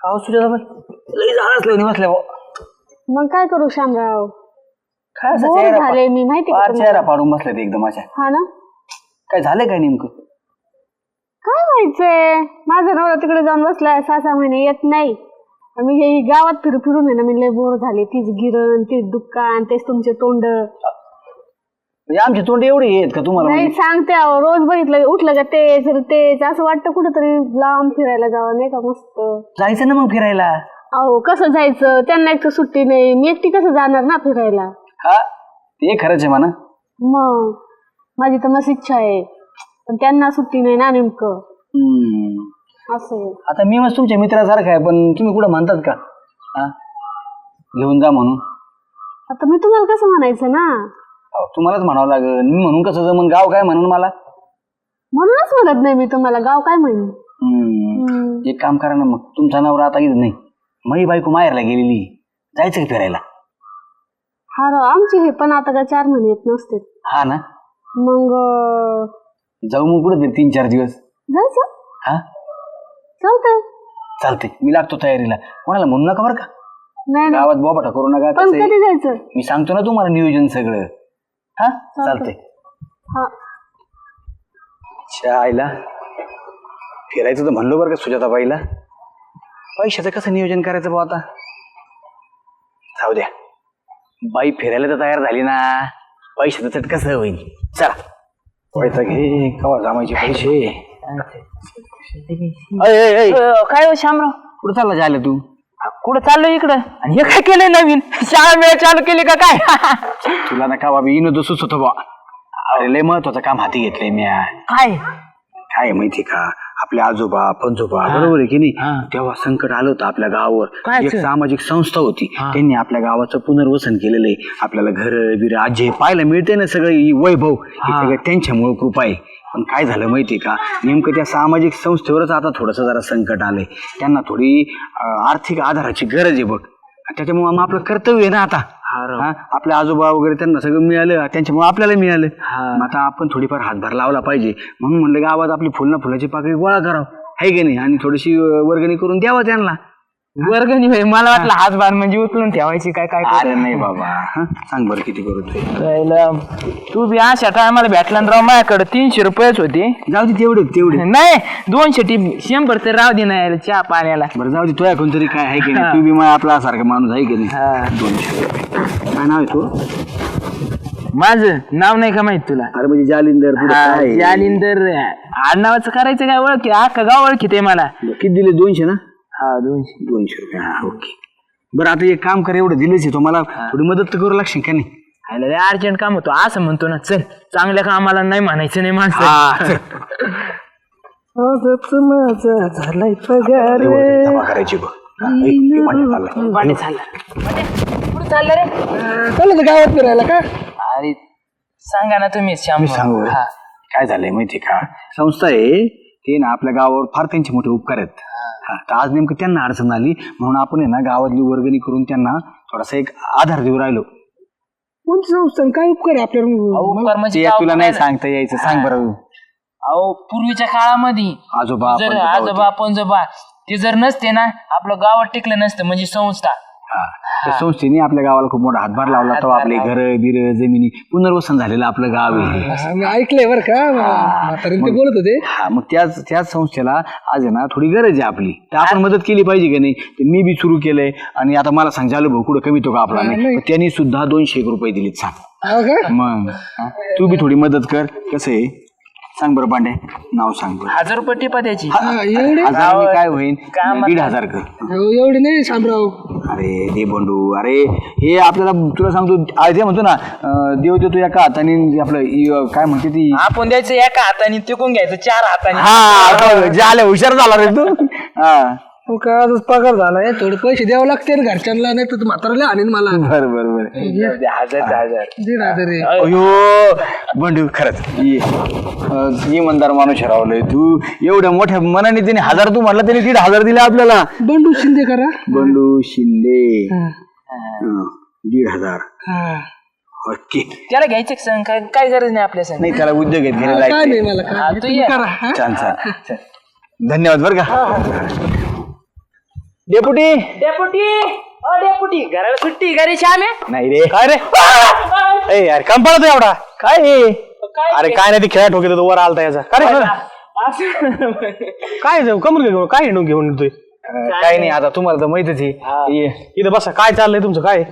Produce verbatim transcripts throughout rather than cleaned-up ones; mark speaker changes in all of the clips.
Speaker 1: का सुजाताबाई लई झाडाच लावून बसल्या भाऊ.
Speaker 2: मग काय करू शामराव,
Speaker 1: काय असं
Speaker 2: बोर
Speaker 1: चेहरा
Speaker 2: झाले मी माहिती
Speaker 1: फार
Speaker 2: का
Speaker 1: चेहरा पाडून बसले ते एकदम अशा.
Speaker 2: हा ना,
Speaker 1: काय झालं काय नेमकं?
Speaker 2: काय व्हायचंय, माझा नवरा तिकडे जाऊन बसलाय, सहा सहा महिने येत नाही. मी हे गावात फिरू फिरून आहे ना, मी लय बोर झाले. तीच गिरण, तीच दुकान, तेच तुमचे तोंड.
Speaker 1: म्हणजे आमची तोंड एवढी आहेत का तुम्हाला?
Speaker 2: नाही सांगते अहो, रोज बघितलं उठलं का तेच तेच असं वाटतं कुठेतरी लांब फिरायला जावं नाही का. मस्त
Speaker 1: जायचं ना मग फिरायला.
Speaker 2: अहो कसं जायचं, त्यांना एक तर सुट्टी नाही, मी एकटी कसं जाणार ना फिरायला.
Speaker 1: हा ते खरंच आहे म्हणा.
Speaker 2: मग माझी तर मस्त इच्छा आहे, पण त्यांना सुट्टी नाही ना नेमकं.
Speaker 1: हम्म.
Speaker 2: असं
Speaker 1: आता मी मग तुमच्या मित्रासारखं आहे, पण तुम्ही कुठं म्हणतात का हा घेऊन जा म्हणून?
Speaker 2: आता मी तुम्हाला कसं म्हणायचं ना,
Speaker 1: अहो, तुम्हालाच म्हणावं लागेल. मी म्हणून कसं जमन, गाव काय म्हणून मला.
Speaker 2: म्हणूनच म्हणत नाही मी तुम्हाला, गाव काय म्हणून.
Speaker 1: हम्म. एक काम करा ना मग, तुमचा नवरा आता इथं नाही, मई बायको माहेरला गेलेली, जायचं का फिरायला?
Speaker 2: हा राव, आमचे हे पण आता का चार महिने येत नसते.
Speaker 1: हा ना,
Speaker 2: मग
Speaker 1: जाऊ मग कुठं तरी तीन चार दिवस.
Speaker 2: जायचं,
Speaker 1: हा
Speaker 2: चालतंय.
Speaker 1: चालते, मी लागतो तयारीला. कोणाला म्हणू नका बरं का,
Speaker 2: नाही ना,
Speaker 1: गावात बोबाटा करू नका.
Speaker 2: पण
Speaker 1: कसं आहे,
Speaker 2: कधी जायचं
Speaker 1: मी सांगतो ना तुम्हाला नियोजन सगळं. हा चालतंय.
Speaker 2: हा
Speaker 1: आईला फिरायचं तर म्हणलो बरं का सुजाताबाईला, पैशाचं कसं नियोजन करायचं भाऊ आता. जाऊ द्या, बाई फिरायला तर तयार झाली ना, पैशाचं चट कसं होईल. चला पैसा घे, कवा जमायचे पैसे.
Speaker 3: काय हो शामराव,
Speaker 1: कुठं चालला जायला तू?
Speaker 3: कुठं चाललोय इकडं? आणि हे काय केलंय नवीन, शाळा वेळ चालू केली का काय?
Speaker 1: तुला ना का बाबी इनो सुचत होतं बा. अरे लय महत्वाचं काम हाती घेतलंय मी.
Speaker 3: काय
Speaker 1: काय माहिती का, आपले आजोबा पंजोबा बरोबर आहे की नाही, तेव्हा संकट आलं होतं आपल्या गावावर. एक सामाजिक संस्था होती, त्यांनी आपल्या गावाचं पुनर्वसन केलेलं आहे. आपल्याला घर बिर आजे पाहायला मिळते ना, सगळं वैभव हे सगळं त्यांच्यामुळे कृपा आहे. पण काय झालं माहिती का, नेमकं त्या सामाजिक संस्थेवरच आता थोडंसं जरा संकट आलंय. त्यांना थोडी आर्थिक आधाराची गरज आहे बघ, त्याच्यामुळे मग आपलं कर्तव्य आहे ना आता. आपल्या आजोबा वगैरे त्यांना सगळं मिळालं, त्यांच्यामुळे आपल्याला मिळालं. मग आता आपण थोडीफार हातभार लावला पाहिजे. म्हणून म्हणलं गावात आपली फुल ना फुलाची पाकळी गोळा करावं, आहे की नाही, आणि थोडीशी वर्गणी करून द्यावं त्यांना.
Speaker 3: वर्गणी होय, मला वाटलं हातभार म्हणजे उचलून ठेवायची काय काय.
Speaker 1: अरे नाही बाबा, सांग बरं किती करू ते.
Speaker 3: तू बी अशा टायमाला भेटला राव, माझ्याकडे तीनशे रुपयेच होते.
Speaker 1: जाऊ दे तेवढे तेवढे
Speaker 3: नाही दोनशे टी शंभर तर राव दे नाही चहा पाण्याला.
Speaker 1: बरं जाऊ दे, तुझ्या कोणतरी काय आहे की नाही, तू बी मला आपला सारखा माणूस आहे की नाही. दोनशे रुपये काय नाव आहे तू?
Speaker 3: माझं नाव नाही का माहित तुला?
Speaker 1: अरे म्हणजे जालिंदर.
Speaker 3: जालिंदर आडनावाचं करायचं काय, ओळखी अख्खा गाव ओळखीत आहे मला.
Speaker 1: किती दिले? दोनशे ना?
Speaker 3: हा दोनशे
Speaker 1: दोनशे रुपये हा ओके. बरं आता एक काम कर, एवढं दिलेच आहे, तो मला थोडी मदत तर करू लागशील का नाही?
Speaker 3: अर्जंट काम होतो असं म्हणतो ना, चल चांगल्या कामाला नाही म्हणायचं नाही माणसं.
Speaker 2: झालाय पगार
Speaker 1: जमा करायची बघ.
Speaker 3: पाणी चाललं कुठं चाललं रे?
Speaker 2: चाललं गावात फिरायला का?
Speaker 3: अरे सांगा ना तुम्ही.
Speaker 1: मी सांगू काय झालंय माहिती का, संस्था आहे ते ना, आपल्या गावावर फार त्यांचे मोठे उपकार आहेत. तर आज नेमकं त्यांना अडचण आली म्हणून आपण आहे ना गावातली वर्गणी करून त्यांना थोडासा एक आधार देऊ राहिलो.
Speaker 2: कोणती संस्था, काय उपकार आहे आपल्याला?
Speaker 1: तुला नाही सांगता यायचं, सांग बरं.
Speaker 3: अहो पूर्वीच्या काळामध्ये
Speaker 1: आजोबा
Speaker 3: जर आजोबा पंजोबा ते जर नसते ना, आपलं गावात टिकलं नसतं. म्हणजे संस्था,
Speaker 1: त्या संस्थेने आपल्या गावाला खूप मोठा हातभार लावला. तेव्हा आपले घर बिर जमिनी पुनर्वसन झालेलं आपलं गाव आहे.
Speaker 2: ऐकलंय बरं का, ते बोलत होते.
Speaker 1: हा मग त्याच त्याच संस्थेला आज आहे ना थोडी गरज आहे आपली, तर आपण मदत केली पाहिजे का नाही. ते मी बी सुरू केलंय, आणि आता मला सांग झालं भाऊ कुठं कमी तो का आपला नाही, त्यांनी सुद्धा दोनशे एक रुपये दिलेत. सांग मग, तू बी थोडी मदत कर. कसं आहे सांग बरं पांडे, नाव सांग बरं.
Speaker 3: हजार रुपये टिपा द्यायची.
Speaker 1: काय होईल, दीड हजार कर.
Speaker 2: एवढे नाही शामराव.
Speaker 1: अरे दे बंडू, अरे हे आपल्याला तुला सांगतो, ते म्हणतो ना देव देतो एका हाताने, आपलं काय म्हणते ती,
Speaker 3: आपण द्यायचं एका हाताने, तिकून घ्यायचं चार हाताने.
Speaker 1: हा झालं, हुशार झाला रे तू. हा
Speaker 2: का आजच पगार झालाय, थोडे पैसे द्यावं लागते घरच्यांना, नाही तर म्हाताराला आणीन मला.
Speaker 1: बरं बरं बरं,
Speaker 3: हजार हजार
Speaker 2: दीड हजार.
Speaker 1: अयो बंडू खरंच इमानदार माणूस रावलंय तू. एवढ्या मोठ्या मनाने त्याने हजार, तू म्हणला त्याने दीड हजार दिले आपल्याला.
Speaker 2: बंडू शिंदे करा,
Speaker 1: बंडू शिंदे दीड हजार. ओके,
Speaker 3: त्याला घ्यायचं संग, काय काय गरज नाही आपल्या संग.
Speaker 1: नाही त्याला उद्योग आहेत घ्यायला. छान छान, धन्यवाद बरं का. डेपुटी
Speaker 3: डेपुटी अ डेपुटी घराला सुट्टी घरी श्याम आहे
Speaker 1: नाही रे काय रे ए यार काम पडतो एवढा काय हे? अरे काय नाही ते खेळा ठोके तो वर आलता याचा काय रे काय जाऊ कमर घेऊन काय हिंडून घेऊन येतोय काय नाही आता तुम्हाला तर माहितच आहे ये, इथं बसा काय चाललंय तुमचं काय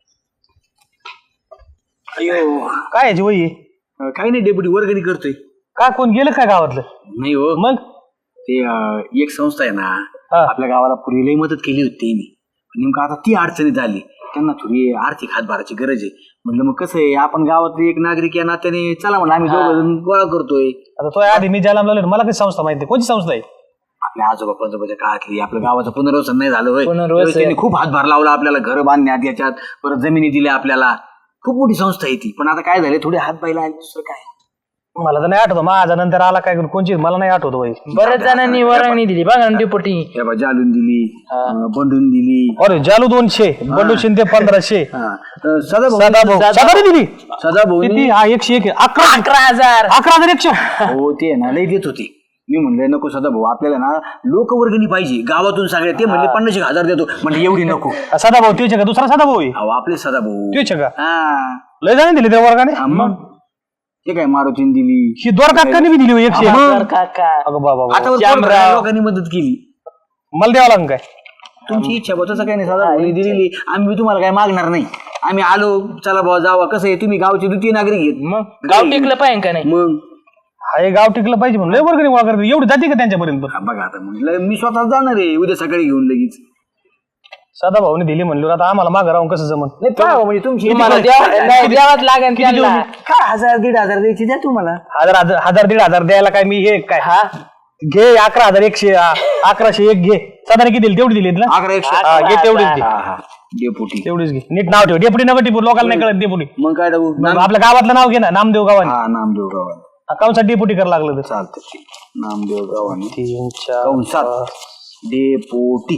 Speaker 1: अयो काय याची वही काही नाही डेप्युटी वर्गणी करतोय काय कोण गेलं काय गावातलं नाही हो मग ते अं, एक संस्था आहे ना आपल्या गावाला पूर्वी लई मदत केली होती त्यांनी नेमकं आता ती अडचणीत झाली त्यांना थोडी आर्थिक हातभाराची गरज आहे म्हटलं मग कसं आहे आपण गावातले एक नागरिक या नात्याने चला म्हणलं आम्ही दोघं गोळा करतोय आता तो आधी मी ज्याला लावलं मला काही संस्था माहिती कोणती संस्था आहे आपल्या आजोबा पंजोबाच्या काळातली आपल्या गावाचं पुनर्वसन नाही झालं होय
Speaker 3: पुनर्वसन.
Speaker 1: त्यांनी खूप हातभार लावला आपल्याला घर बांधण्यात याच्यात परत जमिनी दिल्या आपल्याला खूप मोठी संस्था आहे ती पण आता काय झालं थोडी हात पाहिला दुसरं काय मला तर नाही आठवतं माझा नंतर आला काय कोणची मला नाही आठवत भाई
Speaker 3: बऱ्याच जणांनी वर्गणी दिली बघा ना डेपुटी
Speaker 1: जालून दिली अं, बंडून दिली
Speaker 4: अरे जालू दोनशे बंडू शिंदे पंधराशे
Speaker 1: सदा
Speaker 4: सदा दिली
Speaker 1: सदा भाऊ
Speaker 4: किती हा एकशे एक अकरा
Speaker 3: अकरा हजार
Speaker 4: अकरा हजार एकशे
Speaker 1: हो ते ना लई देत होती मी म्हणलं नको सदा भाऊ आपल्याला ना लोकवर्गणी पाहिजे गावातून सगळे ते म्हणले पन्नास एक हजार देतो म्हणजे एवढी नको
Speaker 4: सदा भाऊ तेच का दुसरा सदा भाऊ आहे?
Speaker 1: अहो आपले सदा भाऊ
Speaker 4: तेच का
Speaker 1: हा
Speaker 4: लय जाणे दिली त्या वर्गाने
Speaker 1: हा, मग ते काय मारुतीने दिली
Speaker 4: ही दोर काकाने बी दिली हो एकशे एक.
Speaker 3: हजार काका
Speaker 4: अगं बाबा बाबा.
Speaker 1: आता वर पोट भरायला लोकांनी मदत केली
Speaker 4: मला द्यावं लागेल काय
Speaker 1: तुमची इच्छा बा तसं काही नाही सदा भाऊनी दिलेली आम्ही बी तुम्हाला काय मागणार नाही आम्ही आलो चला भाऊ जावा कसं आहे तुम्ही गावचे द्वितीय नागरिक आहेत
Speaker 3: मग गाव टिकलं पाहिजे का नाही
Speaker 1: मग
Speaker 4: हा हे गाव टिकलं पाहिजे म्हणून लय वर्गणी गोळा करते एवढी जाते का त्यांच्यापर्यंत
Speaker 1: हा, बघा आता म्हणलं मी स्वतः जाणार आहे उद्या सकाळी घेऊन लगेच
Speaker 4: सदा भाऊने दिली म्हणलो आता आम्हाला मागं राहून कसं जमन
Speaker 1: नाही पाहा म्हणजे तुमची
Speaker 3: तुम्हाला द्यावं- नाही, द्यावंच लागेल त्यांना.
Speaker 1: काय हजार दीड हजार द्यायची द्या तुम्हाला
Speaker 4: हजार हजार हजार दीड हजार द्यायला काय मी हे काय हा घे अकरा हजार एकशे आ, अकराशे एक घे साधारण किती दिली तेवढी दिली ना
Speaker 1: अकरा एकशे
Speaker 4: हा, घे तेवढीच घे
Speaker 1: हा हा डेपुटी
Speaker 4: तेवढीच घे नीट नाव ठेव डेपुटी नका टिपू लोकांना नाही कळत डेपुटी
Speaker 1: मग काय टाकू
Speaker 4: मग आपल्या गावातलं नाव घे ना नामदेव गावाने
Speaker 1: हा नामदेव गावाने
Speaker 4: अकाउंटसाठी डेपुटी करायला लागलं तर
Speaker 1: चालतं नामदेव गावाने
Speaker 4: तीन चार
Speaker 1: कंसात डेपुटी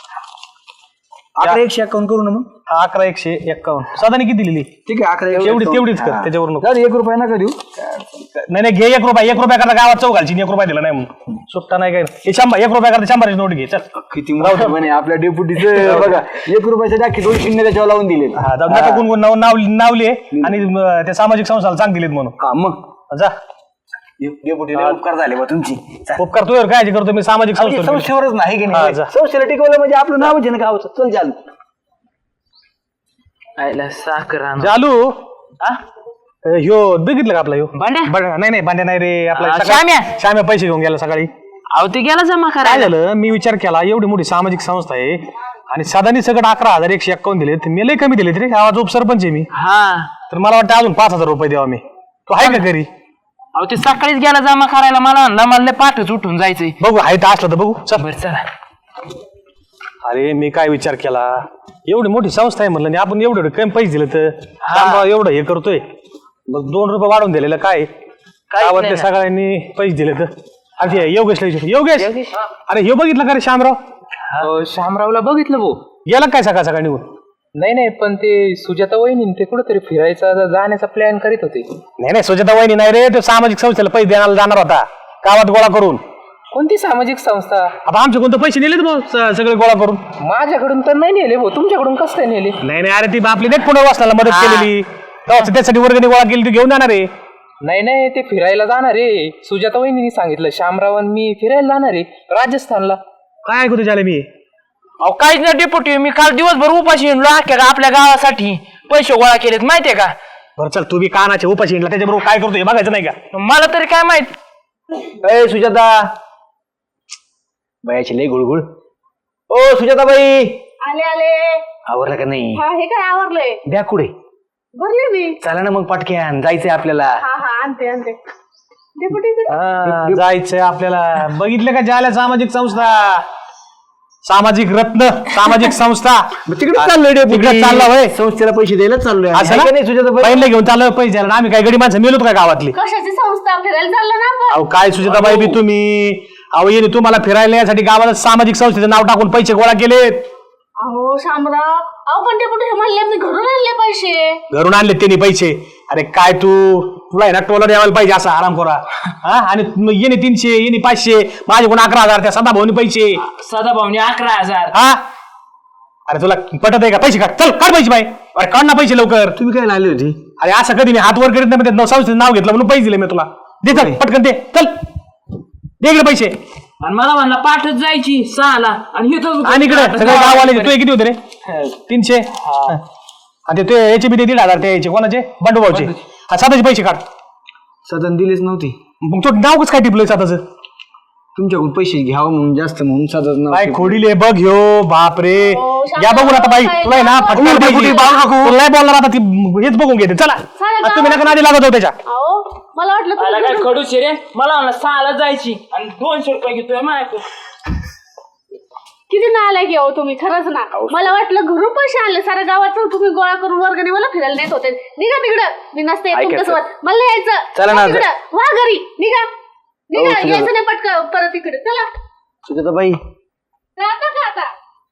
Speaker 1: अकरा एकशे अकाउंट करू ना मग
Speaker 4: हा, अकरा एकशे एक्कावन्न साधारण किती दिली
Speaker 1: ठीक आहे अकरा एकशे
Speaker 4: तेवढी
Speaker 1: account.
Speaker 4: तेवढीच कर
Speaker 1: हा.
Speaker 4: त्याच्यावर नको
Speaker 1: जाऊ दे, एक रुपया नका देऊ
Speaker 4: नाही नाही घे एक रुपया एक रुपया करता गावात चौ घालची एक रुपया दिला नाही म्हणून सुट्टा नाही काय हे शंभर एक रुपया करता शंभरची नोट घे चल
Speaker 1: किती मोठं म्हणे आपल्या डेप्युटीचं बघा एक रुपयाच्या टाकी दोन शून्य त्याच्यावर लावून दिले
Speaker 4: हा जाऊ नका कोण कोण नाव नाव नावली आणि म, त्या सामाजिक संस्थाला चांग दिलेत म्हणून
Speaker 1: हा मग
Speaker 4: जा
Speaker 1: डेप्युटी उपकार झाले बा तुमची
Speaker 4: उपकार तुझ्यावर काय करतो मी सामाजिक संस्था
Speaker 1: संस्थेवरच नाही की
Speaker 4: हा,
Speaker 1: नाही
Speaker 4: जा.
Speaker 1: संस्थेला टिकवलं म्हणजे आपलं नावच आहे ना गावचं चल चाल
Speaker 3: आयला साखर आणू.
Speaker 4: चालू
Speaker 3: हा?
Speaker 4: ह्यो बघितलं का आपला ह्यो
Speaker 3: भांड्या?
Speaker 4: भांड्या- नाही नाही भांड्या नाही रे आपला
Speaker 3: हा,
Speaker 4: सकाळी-
Speaker 3: श्याम्या.
Speaker 4: श्याम्या पैसे घेऊन गेला सकाळी
Speaker 3: अहो ते गेला जमा
Speaker 4: काय
Speaker 3: करायला
Speaker 4: झालं मी विचार केला एवढी मोठी सामाजिक संस्था आहे आणि साधारण सगळं अकरा हजार एकशे एक्कावन्न दिले तर मी लय कमी दिले रे आवाज उपसरपंच आहे मी
Speaker 3: हा
Speaker 4: तर मला वाटतं अजून पाच हजार रुपये द्यावा मी तो आहे का घरी
Speaker 3: अहो ते सकाळीच गेला जमा करायला मला म्हणला मला लय पाठच उठून जायचंय
Speaker 4: बघू आहे तर असलं तर बघू चल
Speaker 3: बरं चला
Speaker 4: अरे मी काय विचार केला एवढी मोठी संस्था आहे म्हणलं आणि आपण एवढे एवढे कमी पैसे दिले तर सांगा एवढं हे करतोय मग दोन रुपये वाढवून दिलेलं काय गावातल्या
Speaker 3: नाही ना.
Speaker 4: सगळ्यांनी पैसे दिले तर अरे ते योगेशला विचार योगेश अरे हे बघितलं का रे श्यामराव
Speaker 5: हो शामरावला बघितलं भाऊ
Speaker 4: गेला काय सकाळ सकाळ निघून
Speaker 5: नाही नाही पण ते सुजाता वहिनी ते कुठेतरी फिरायचा जाण्याचा प्लॅन करीत होते
Speaker 4: नाही नाही सुजाता वहिनी नाही रे तो सामाजिक संस्थेला पैसे देण्याला जाणार होता गावात गोळा करून
Speaker 5: कोणती सामाजिक संस्था
Speaker 4: आता आमचे कोणते पैसे नेलेत भाऊ स- सगळे गोळा करून
Speaker 5: माझ्याकडून तर नाही नेले भाऊ तुमच्याकडून कसं काय नेले
Speaker 4: नाही नाही अरे ती आपली नेट पुनर्वसनाला मदत केलेली तेव्हा त्यासाठी वर्गणी गोळा केली ती घेऊन जाणार आहे
Speaker 5: नाही नाही ते फिरायला जाणार आहे सुजाता वहिनी सांगितलं शामराव आणि मी फिरायला जाणार आहे राजस्थानला
Speaker 4: काय ऐकू तुझ्याला मी
Speaker 3: अहो काहीच नाही डेपुटी मी काल दिवसभर उपाशी हिंडलो अख्ख्या गा- आपल्या गावासाठी पैसे गोळा केलेत माहितीये का
Speaker 4: बरं चल तू बी कानाचे उपाशी हिंडला त्याच्याबरोबर काय करतो हे बघायचं नाही का
Speaker 3: मला तरी काय माहित
Speaker 1: ए सुजाता बायाची लय गुळगुळ ओ सुजाताबाई
Speaker 2: आले आले
Speaker 1: आवरलं का नाही
Speaker 2: हा हे काय आवरलंय
Speaker 1: द्या कुठे
Speaker 2: भरले मी
Speaker 1: चला ना मग पटक्यान जायचंय आपल्याला
Speaker 2: हा हा आणते आणते डेपुटी इकडे.
Speaker 4: हा, जायचंय आपल्याला बघितलं का ज्याला सामाजिक संस्था सामाजिक रत्न सामाजिक संस्था
Speaker 1: तिकडे चाललोय
Speaker 4: तिकडे चालला होय
Speaker 1: संस्थेला पैसे द्यायला चाललोय
Speaker 4: असं
Speaker 1: आहे
Speaker 4: ना?
Speaker 1: का नाही सुजाताबाई
Speaker 4: पहिले घेऊन चाललोय पैसे द्यायला आम्ही काय गडी माणसं मेलोत का गावातली
Speaker 2: कशाची संस्था फिरायला चाललं ना आपण
Speaker 4: अहो काय सुजाताबाई बी तुम्ही अहो येणे तुम्हाला फिरायला यासाठी गावाला सामाजिक संस्थेचं नाव टाकून पैसे गोळा केलेत
Speaker 2: अहो शामराव अहो पण डेपुटी हे म्हणले मी घरून आणले पैसे
Speaker 4: घरून आणले त्यांनी पैसे अरे काय तू तुला आहे ना टोला द्यायला पाहिजे असा आराम करा हा आणि मग येणे तीनशे येणे पाचशे माझ्याकडून अकरा हजार त्या सदा भाऊनी पैसे
Speaker 3: सदा भाऊनी अकरा हजार
Speaker 4: हा अरे तुला पटत आहे का पैसे काढ चल काढ पैसे बाई अरे काढ ना पैसे लवकर
Speaker 1: तुम्ही काय लागली होती
Speaker 4: अरे असं कधी मी हात वर करीत नाही म्हणजे संस्थेचं नाव घेतलं म्हणून पैसे दिले मी तुला दे चल पटकन दे चल दे इकडे पैसे
Speaker 3: आणि मला म्हणला पाठच जायची सहाला आणि इथं
Speaker 4: आणि इकडे सगळे गाववाले तू किती होते रे तीनशे आणि ते याचे बी ते दीड हजार ते याचे कोणाचे बंडू भाऊचे हा साताचे पैसे काढ
Speaker 1: सदन दिलेच नव्हती
Speaker 4: मग तो नाव कसं काय टिपलंय साताचं
Speaker 1: तुमच्याकडून पैसे घ्यावं म्हणून जास्त म्हणून सदन
Speaker 4: काय खोडीले बघ ह्यो बाप रे या बघून आता बाई तुला आहे ना फटका
Speaker 1: कुठे- कुठे बाळू काकू?
Speaker 4: तुला नाही बोलणार आता ती हेच बघून घेते चला आता तुम्ही नका नादी लागत हो त्याच्या
Speaker 2: अहो मला वाटलं
Speaker 3: मला
Speaker 2: तुम्ही
Speaker 3: काय खडूस रे मला म्हणला सहाला जायची आणि दोनशे रुपये घेतोय माझ्याकडून
Speaker 2: किती नालायक आहे हो तुम्ही खरंच ना मला वाटलं घरून पैसे आणले साऱ्या गावाचं तुम्ही गोळा करून वर्गणी मला फिरायला नेत होते निघा तिकडं मी नसते येत तुमच्यासोबत मला नाही यायचं
Speaker 1: चला ना.
Speaker 2: वा तिकडं वा घरी निघा निघा
Speaker 1: सुजाता.
Speaker 2: यायचं नाही पटकन परत इकडे चला
Speaker 1: सुजाता बाई